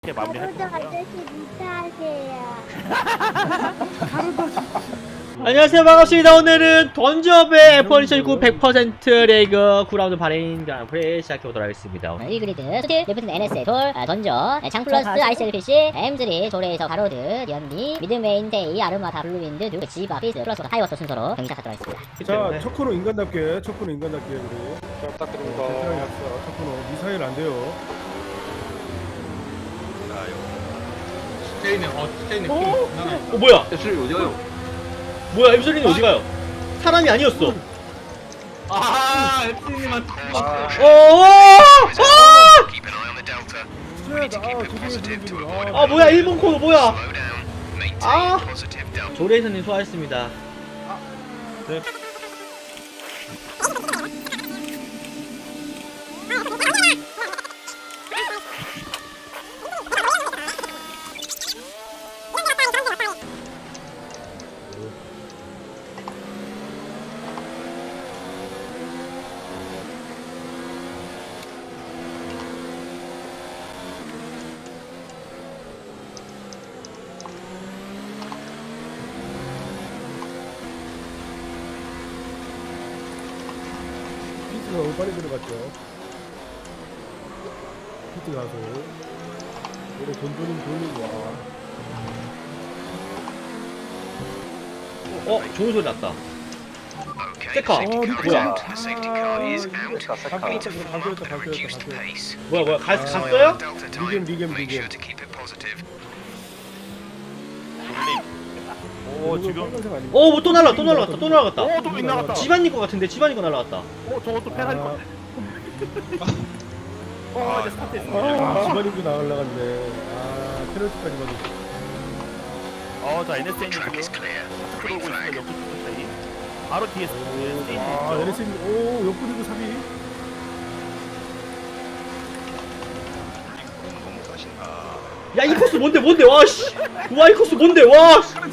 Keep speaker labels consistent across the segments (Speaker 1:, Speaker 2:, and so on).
Speaker 1: 이렇게 마무리할
Speaker 2: 가로등
Speaker 1: 거고요.
Speaker 2: 아저씨 무사하세요.
Speaker 3: 안녕하세요, 반갑습니다. 오늘은 던저배 F1 100% 레이그 9라운드 바레인 그랑프리 시작해보도록 하겠습니다.
Speaker 4: 1그리드, 스틸, 리프트 NSA, 돌, 던져, 장플러스, ICLPC, M3, 조레이서, 가로드, 연미, 미드메인, 데이, 아르마다, 블루윈드, 누그, 지바, 피스, 플러스, 하이워터 순서로 경기 시작하도록 하겠습니다.
Speaker 5: 자, 첫 코너 인간답게 우리. 잘 부탁드립니다. 베테랑 약사, 첫 코너 미사일 안 돼요.
Speaker 6: 스테이는
Speaker 3: 뭐야?
Speaker 6: 앱술이 어디 가요?
Speaker 3: 뭐야, 엠솔린이 어디 가요? 사람이 아니었어.
Speaker 6: 아, 앱술님한테
Speaker 3: 뭐야, 일본 코너 뭐야? 조레이서님 수고하셨습니다.
Speaker 5: 피트가 너무 빨리 들어갔죠. 피트 가서 노래 돈돈은 돌리고 와.
Speaker 3: 좋은 소리 났다. 세카. 뭐야? 뭐야, 갔어요?
Speaker 5: 리겜.
Speaker 1: 오, 지금.
Speaker 5: 빨간색 아닙니까?
Speaker 3: 뭐 또 날라갔다.
Speaker 1: 오, 또 빗나갔다.
Speaker 3: 집안일 것 같은데, 집안일 거 날라갔다.
Speaker 1: 저것도 페널티 것 같아. 이제 스타트했습니다.
Speaker 5: 집안인도 나가려갔네. 페널티까지 받았어.
Speaker 1: 자, NSA님 지금 들어오고 있습니다. 옆으로 사이. 바로 뒤에 스테이지
Speaker 5: LSM, 옆구리도 삽이.
Speaker 3: 야, 이 코스 뭔데, 와, 씨. 와, 이 코스 뭔데, 와. 씨.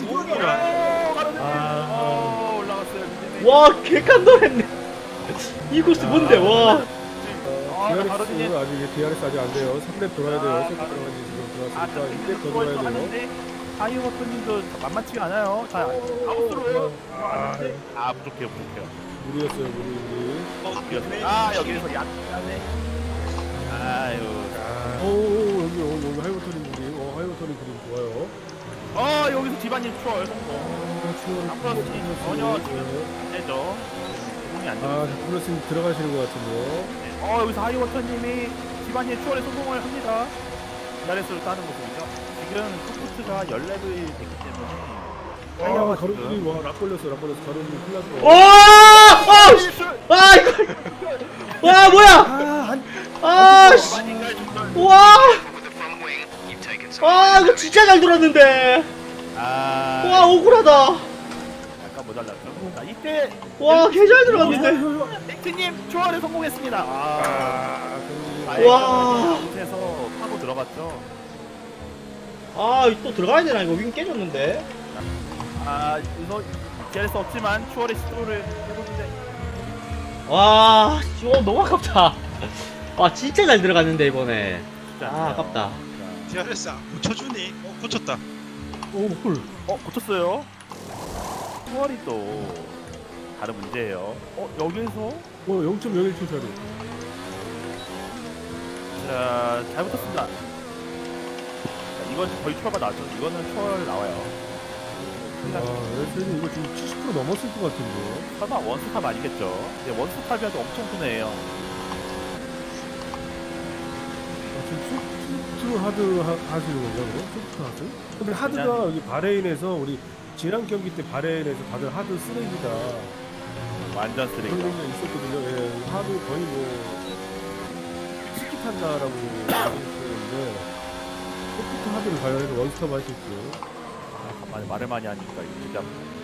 Speaker 1: 올라갔어요.
Speaker 3: 와, 개칸돌했네. 이 코스 뭔데, 와.
Speaker 5: DRS 아직 DRS 아직 안 돼요. 3렙 돌아야 돼요. 세트 들어가지 지금 들어왔으니까 2렙 더 돌아야 돼요.
Speaker 1: 하이워터님도 만만치가 않아요. 자, 아웃으로요. 부족해요.
Speaker 5: 무리였어요, 무리.
Speaker 1: 여기서 약간의.
Speaker 5: 여기 하이워터님 무리. 하이워터님 그림 좋아요.
Speaker 1: 여기서 집안일 추월 성공. 플러스님 전혀 지금 안 되죠. 공이 안 되죠.
Speaker 5: 플러스님 들어가시는 것 같은데요.
Speaker 1: 여기서 하이워터님이 집안일 추월에 성공을 합니다. DRS를 따는 모습이죠. 지금 코프트가 10레벨이 됐기 때문에
Speaker 5: 가로들이 락 걸렸어. 가로들이 큰일 났어.
Speaker 3: 이거. 와, 뭐야? 씨. 이거 진짜 잘 돌았는데. 억울하다.
Speaker 1: 약간 모자랐죠. 자, 이때
Speaker 3: 개 잘 들어갔는데.
Speaker 1: 넥트님 추월에 성공했습니다. 아웃에서 파고 들어갔죠.
Speaker 3: 또 들어가야 되나? 이거 윙 깨졌는데.
Speaker 1: 이거 DRS 없지만 추월의 시도를 해보는데
Speaker 3: 너무 아깝다. 진짜 잘 들어갔는데, 이번에. 아깝다.
Speaker 7: DRS 고쳐주니? 고쳤다.
Speaker 1: 고쳤어요. 추월이 또 다른 문제예요. 여기서
Speaker 5: 0.01초 차로.
Speaker 1: 자, 잘 붙었습니다. 자, 이건 거의 추월가 나죠. 이거는 추월 나와요.
Speaker 5: LS는 이거 지금 70% 넘었을 것 같은데.
Speaker 1: 설마 원스탑 아니겠죠? 근데 원스탑이라도 엄청 분해해요.
Speaker 5: 지금 소프트 하드 하시는 건가요? 소프트 하드? 근데 하드가 여기 바레인에서 우리 지난 경기 때 바레인에서 다들 하드 쓰레기다.
Speaker 1: 완전 쓰레기.
Speaker 5: 그런 게 있었거든요. 하드 거의 스키 탄다라고 얘기했었는데 소프트 하드를 가야 해서 원스톱 할 수 있고.
Speaker 1: 말을 많이 하니까 이거 진짜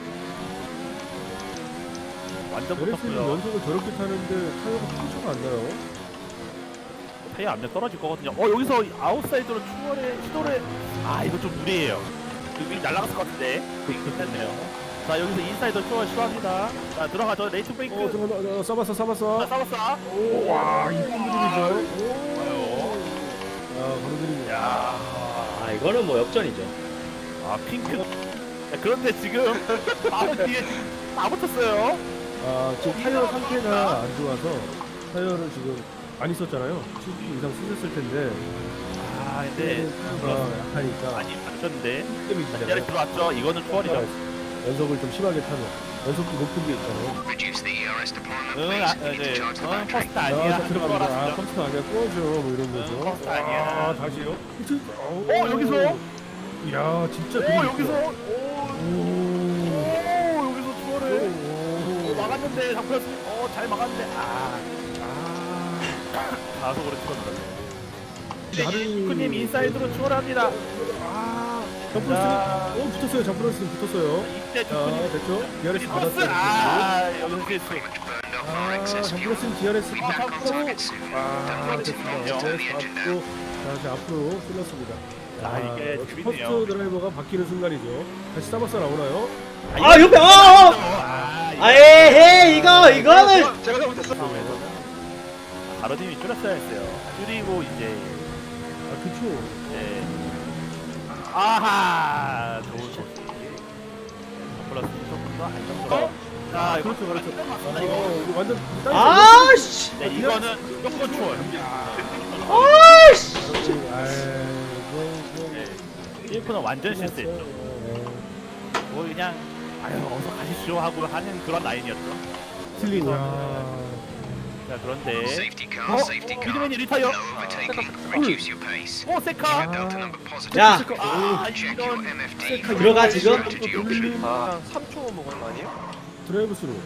Speaker 1: 완전
Speaker 5: LS는
Speaker 1: 붙었고요.
Speaker 5: 연속을 저렇게 타는데 타이어가 상처가 안 나요.
Speaker 1: 타이어 압력 떨어질 거거든요. 여기서 아웃사이드로 추월의 시도를 이거 좀 무리해요. 윙 날아갔을 것 같은데 괜찮네요. 자, 여기서 인사이더 추월 시도합니다. 자, 들어가죠. 레이트 브레이크.
Speaker 5: 써봤어.
Speaker 1: 싸웠어.
Speaker 5: 와, 이쁜 그림이죠.
Speaker 1: 오.
Speaker 5: 가로들이.
Speaker 1: 야.
Speaker 3: 이거는 뭐 역전이죠.
Speaker 1: 아 핑크. 야, 그런데 지금 바로 뒤에 지금 다 붙었어요.
Speaker 5: 아 지금 타이어 상태가 안 좋아서 타이어를 지금 많이 썼잖아요. 10분 이상 쓰셨을 텐데
Speaker 1: 아 근데
Speaker 5: 타이어가 약하니까
Speaker 1: 많이 맞췄는데.
Speaker 5: 게임이
Speaker 1: 자리
Speaker 5: 지잖아요.
Speaker 1: 들어왔죠. 이거는 초월이죠.
Speaker 5: 연속을 좀 심하게 타면 연속도 높은 게 있잖아요.
Speaker 1: 퍼스트
Speaker 5: 아,
Speaker 1: 아니야.
Speaker 5: 자, 들어갑니다. 아, 컴퓨터 아니야. 꺼져. 뭐 이런 거죠.
Speaker 1: 컴퓨터 아니야.
Speaker 5: 아, 다시요?
Speaker 1: 여기서?
Speaker 5: 야, 진짜
Speaker 1: 오
Speaker 5: 되게
Speaker 1: 여기서
Speaker 5: 좋다.
Speaker 1: 오 여기서 초월을
Speaker 5: 오.
Speaker 1: 막았는데 잡혔어. 잘 막았는데 가속으로 찍었는데. 핑크님 인사이드로 초월합니다.
Speaker 5: 점프로스, 붙었어요. 점프로스 붙었어요.
Speaker 1: 이때
Speaker 5: 자,
Speaker 1: 핑크님
Speaker 5: 됐죠? DRS
Speaker 1: 크로스.
Speaker 5: 받았어요.
Speaker 1: 여기서 실수.
Speaker 5: 점프로스는 DRS 받고, 됐습니다.
Speaker 1: 됐네요.
Speaker 5: DRS 받고, 다시 앞으로 찔렀습니다.
Speaker 1: 이게
Speaker 5: 역시
Speaker 1: 재밌네요.
Speaker 5: 퍼스트 드라이버가 바뀌는 순간이죠. 다시 사바사 나오나요?
Speaker 3: 아 옆에 에헤 이거는
Speaker 7: 제가 잘못했어.
Speaker 1: 바로님이 줄였어야 했어요. 줄이고 이제
Speaker 5: 그쵸.
Speaker 1: 네. 아하 좋은 소식. 플러스 조금 더 안정적으로. 자 이거
Speaker 5: 그렇죠.
Speaker 1: 이거
Speaker 5: 완전
Speaker 3: 아씨
Speaker 1: 네, 이거는 무조건 초월.
Speaker 3: 아씨
Speaker 1: 네. 1코는 완전 실수했죠. 뭐 그냥 아유 어서 가십시오 하고 하는 그런 라인이었죠.
Speaker 5: 틀린.
Speaker 1: 자 그런데 미드맨이 리타이어. 오 세카.
Speaker 3: 야
Speaker 1: 이런
Speaker 3: 들어가 지금
Speaker 8: 한 3초 먹은 거 아니에요?
Speaker 5: 드라이브 스루.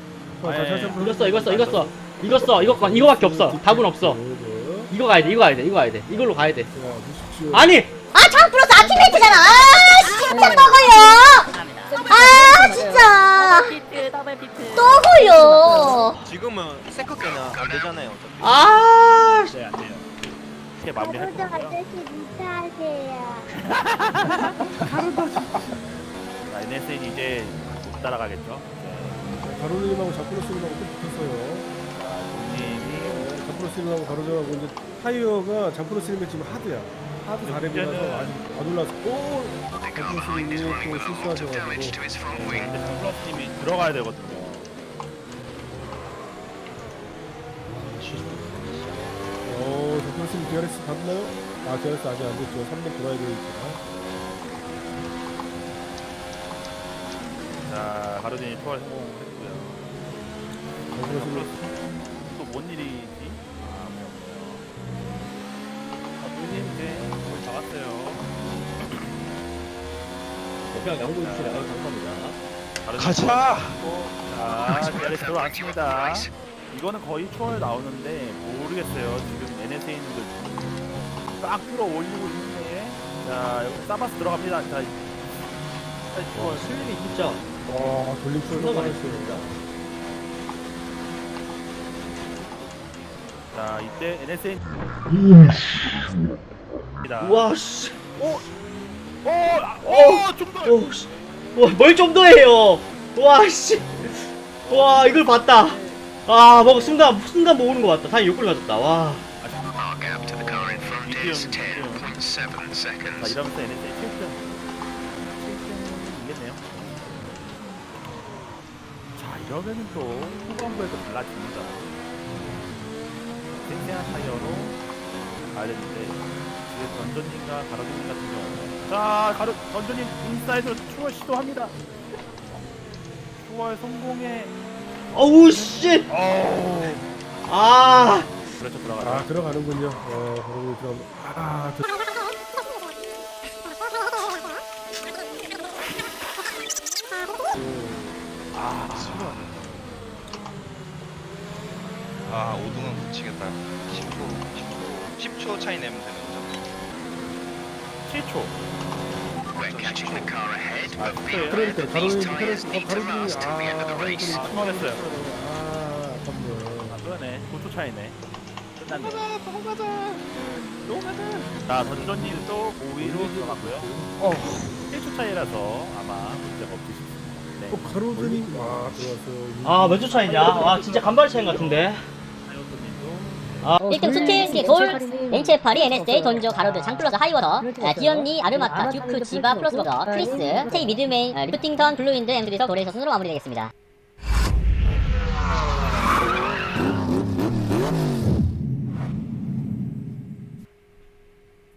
Speaker 3: 이거밖에 없어. 답은 없어. 이거 가야 돼. 이걸로 가야 돼. 아니
Speaker 4: 아 장플러스 아티메이트잖아. 아 진짜 먹어요. 아 진짜 또 걸려.
Speaker 8: 지금은 세컨게는 안 되잖아요. 어차피.
Speaker 3: 아
Speaker 1: 네, 안 돼요. 이렇게 마무리할 거고요. 자, NSN 이제 못 따라가겠죠. 네.
Speaker 5: 가로님하고 자크로스님하고 또 붙었어요.
Speaker 1: 님이
Speaker 5: 자크로스님하고 가로님하고 이제 타이어가 자크로스님의 지금 하드야. 하드 4렙이라서 아직 안 올라서. 오! 자크로스님이 또 실수하셔가지고.
Speaker 1: 근데 플러스님이 들어가야 되거든요.
Speaker 5: 자크로스님 DRS 받나요? 아, DRS 아직 안 됐죠. 3렙 돌아야 되니까.
Speaker 1: 자, 가로진이 초월 성공했고요.
Speaker 5: 자크로스님
Speaker 1: 또뭔 일이지? 아, 없네요. 누님 이제 거의 다 왔어요.
Speaker 3: 그냥 양보해 주시나요? 감사합니다.
Speaker 7: 가자.
Speaker 1: 자, DRS 들어왔습니다. 이거는 거의 초월 나오는데 모르겠어요. 지금 NSA님들 딱 끌어 올리고 있는데, 자 여기 사바스 들어갑니다. 자, 초월.
Speaker 3: 슬림이 진짜
Speaker 5: 돌림
Speaker 3: 존나
Speaker 5: 출력
Speaker 3: 많이
Speaker 5: 했어요.
Speaker 3: 쓰는다.
Speaker 1: 자 이때 NSA.
Speaker 3: 우와 씨.
Speaker 1: 좀 더.
Speaker 3: 오 씨. 뭘 좀 더 해요. 와 씨. 와 이걸 봤다. 아 뭐 순간 모으는 거 봤다. 다행히 욕을 맞았다. 와.
Speaker 1: 미디움. 자 이러면서 NSA 7등 이겠네요. 자 이러면은 또 후반부에도 달라집니다. 탱탱한 타이어로 가야 되는데 지금 던전님과 가로진님 같은 경우는 자 던전님 인사이드로 추월 시도합니다. 추월 성공에
Speaker 3: 어우 씨. 아.
Speaker 1: 그렇죠 들어가라.
Speaker 5: 들어가는군요. 가로님 들어가면.
Speaker 8: 아 5등은 못 치겠다. 10초 차이 내면 되는 거죠.
Speaker 1: 7초. 아,
Speaker 5: 그러니까 가로님
Speaker 1: 성공했어요.
Speaker 5: 아깝네요.
Speaker 1: 그러네. 9초 차이네. 끝났네. 자, 던전님 또 5위로 들어가고요. 1초 차이라서 아마 문제가 없으실 수 있습니다. 네.
Speaker 5: 가로드님 들어왔어요.
Speaker 3: 아 몇 초 차이냐? 와 진짜 간발 차이 같은데.
Speaker 1: 타이어님도
Speaker 3: 아,
Speaker 4: 1등 스틸, 돌, NCF8이 NSA, 던져, 가로드, 장플러스, 하이워터, 디언니, 아르마타, 듀크, 지바, 플러스버더, 크리스, 스테이, 미드메인, 리프팅턴, 블루윈드, 엠드리서, 도레이서 순으로 마무리되겠습니다.